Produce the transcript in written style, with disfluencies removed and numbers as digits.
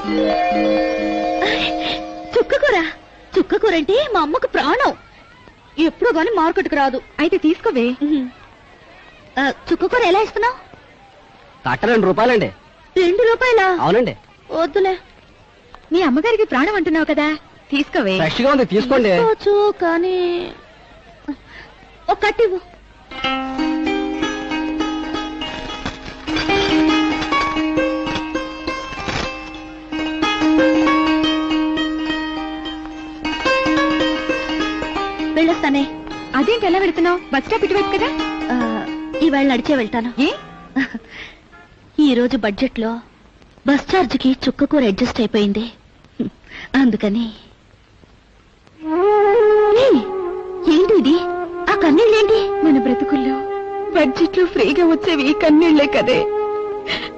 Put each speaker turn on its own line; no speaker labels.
చుక్కకూర. చుక్కకూర అంటే మా అమ్మకు ప్రాణం. ఎప్పుడు గాని మార్కెట్కి రాదు. అయితే తీసుకోవే. చుక్కకూర ఎలా ఇస్తున్నావు?
కట్ట 2 రూపాయలండి.
2 రూపాయలా?
అవునండి.
వద్దులే. మీ అమ్మగారికి ప్రాణం అంటున్నావు కదా, తీసుకోవే.
ఫ్రెష్ గా ఉంది, తీసుకోండి.
కానీ ఒక కట్టివ్వు. వెళ్ళొస్తానే. అదేంటి ఎలా వెళ్తున్నావు? బస్ స్టాప్ ఇటువైపు కదా. ఈవేళ నడిచే వెళ్తాను. ఈ రోజు బడ్జెట్ లో బస్ ఛార్జ్కి చుక్కకూర అడ్జస్ట్ అయిపోయింది, అందుకని. ఏంటి ఇది? ఆ కన్నీళ్ళేంటి? మన బ్రతుకుల్లో బడ్జెట్ లో ఫ్రీగా వచ్చేవి కన్నీళ్లే కదే.